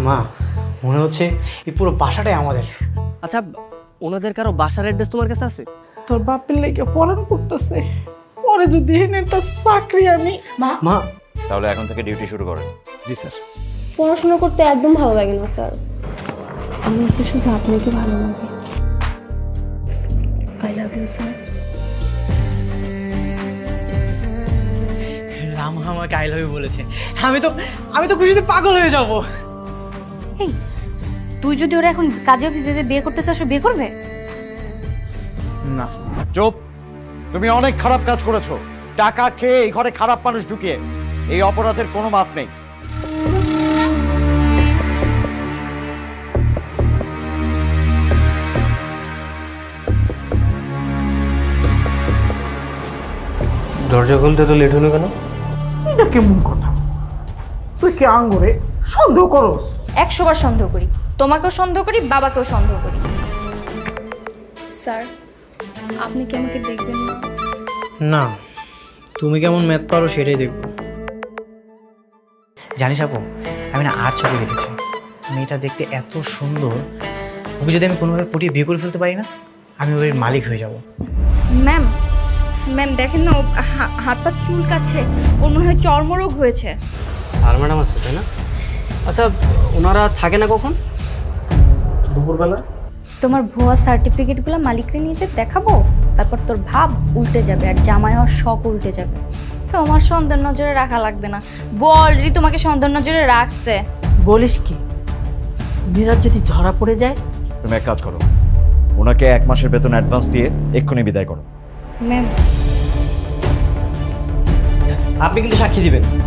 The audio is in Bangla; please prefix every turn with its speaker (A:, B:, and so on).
A: মা মনে হচ্ছে এই পুরো বাসাটাই আমাদের।
B: আচ্ছা, ওনাদের কারো বাসার অ্যাড্রেস তোমার কাছে আছে?
C: তোর বাপের লেগে পড়ান করতেছে, পরে যদি এনে একটা চাকরি আমি
A: মা
D: তাহলে এখন থেকে ডিউটি শুরু করেন। জি স্যার।
E: পড়াশোনা করতে একদম ভালো লাগে না স্যার, আমার তো শুধু আপনাকে ভালো লাগে। I love you sir.
A: Rama আমাকে আই লাভ ইউ বলেছে, আমি তো খুশিতে পাগল হয়ে যাব।
F: এই, তুই যদি ওরা এখন কাজে অফিসে যে বিয়ে করতে চাস, ও বিয়ে করবে?
D: না চুপ, তুমি অনেক খারাপ কাজ করেছো। টাকা খেয়ে এই ঘরে খারাপ মানুষ ঢুকিয়ে, এই অপরাধের কোনো মাপ নেই।
A: দরজা খুলতে তো লেট হলো কেন?
C: এটা কেমন কথা? তুই কি আঙ্গুরে সন্দেহ করস?
F: 100 বার সন্দেহ করি, তোমাকেও সন্দেহ করি, বাবাকেও সন্দেহ করি।
E: স্যার, আপনি কি আমাকে দেখবেন না?
A: না, তুমি কেমন ম্যাথ পারো সেটাই দেখবো। জানিস আপু, আমি না আর চোখে দেখেছি মেয়েটা দেখতে এত সুন্দর, ওকে যদি আমি কোনোভাবে পটিয়ে বিয়ে করে ফেলতে পারি না, আমি ওর মালিক হয়ে যাব।
F: ম্যাম, ম্যাম দেখেন না, ও হাত পা চুলকাচ্ছে, ওর মনে হয় চর্মরোগ হয়েছে।
B: স্যার ম্যাডাম আছে তাই না? আচ্ছা, ওনারা থাকে না কখন?
A: দুপুরবেলা।
F: তোমার ভুয়া সার্টিফিকেটগুলো মালিকরে নিয়ে যে দেখাবো, তারপর তোর ভাব উল্টে যাবে আর জামাই হওয়ার শখ উল্টে যাবে। তোমার সন্দেহ নজরে রাখা লাগবে না, অলরেডি তোমাকে সন্দেহ নজরে রাখছে।
C: বলিস কি? মিরাজ যদি ধরা পড়ে যায়?
D: তুমি এক কাজ করো, ওনাকে 1 মাসের বেতন অ্যাডভান্স দিয়ে এক্ষুনি বিদায় করো।
F: ম্যাম,
B: আপনি কিন্তু সাক্ষী দিবেন।